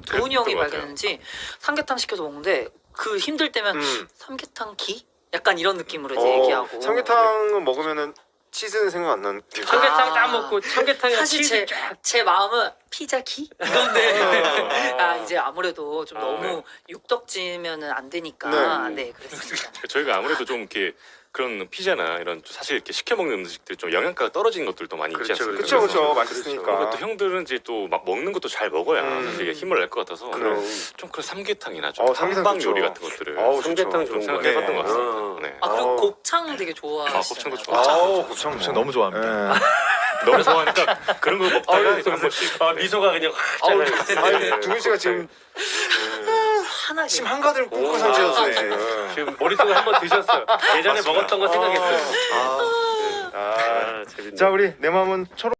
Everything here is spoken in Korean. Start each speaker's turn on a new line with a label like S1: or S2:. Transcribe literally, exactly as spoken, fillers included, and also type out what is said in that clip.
S1: 도훈이 형이
S2: 그랬던 것 같아요.
S1: 발견했는지 삼계탕 시켜서 먹는데 그 힘들 때면
S3: 음.
S1: 삼계탕 기? 약간 이런 느낌으로 이제
S3: 어,
S1: 얘기하고.
S3: 삼계탕은 먹으면은 치즈는 생각 안 나는.
S4: 삼계탕
S1: 아.
S4: 딱 먹고 삼계탕에
S1: 사실
S4: 치즈
S1: 제,
S4: 쫙.
S1: 제 마음은 피자 기? 이건데 아 이제 아무래도 좀
S4: 아,
S1: 너무
S2: 네.
S1: 육덕지면은 안 되니까
S3: 네.
S1: 네, 그랬습니다.
S2: 저희가 아무래도 좀 이렇게 그런 피자나 이런 사실 이렇게 시켜 먹는 음식들 좀 영양가가 떨어지는 것들도 많이 있지
S4: 그렇죠,
S2: 않습니까?
S3: 그쵸 그쵸
S2: 그래서
S3: 맛있으니까.
S2: 그리고 또 형들은 이제 또 막 먹는 것도 잘 먹어야
S3: 음.
S2: 사실 이게 힘을 낼 것 같아서
S3: 그럼.
S2: 좀 그런 삼계탕이나 좀
S3: 어, 삼계탕
S2: 한방
S3: 좋죠.
S2: 요리 같은 것들을
S3: 어우,
S4: 삼계탕
S3: 좋죠.
S2: 좀
S4: 좋은
S2: 생각해봤던
S3: 거네.
S2: 것 같습니다.
S4: 어.
S2: 네.
S1: 아 그리고
S3: 어.
S1: 곱창 되게 좋아하시잖아요.
S2: 아, 곱창도 좋아하죠.
S3: 아우 곱창
S5: 곱창 너무 좋아합니다.
S3: 예.
S2: 너무 좋아하니까 그런 거 먹다가
S4: 아유,
S2: 이제 한 번씩
S4: 아,
S2: 네.
S4: 미소가 그냥 확
S3: 아우,
S4: 잘라요.
S3: 아니 두근 씨가 지금
S1: 하나게.
S3: 침 한가득 뿜고
S4: 오,
S3: 상태였어요
S4: 아,
S3: 지금.
S4: 지금 머릿속에 한번 드셨어요. 예전에
S2: 맞습니다.
S4: 먹었던 거 생각했어요.
S3: 아, 아.
S4: 아, 재밌네.
S3: 자 우리 내 마음은 초록.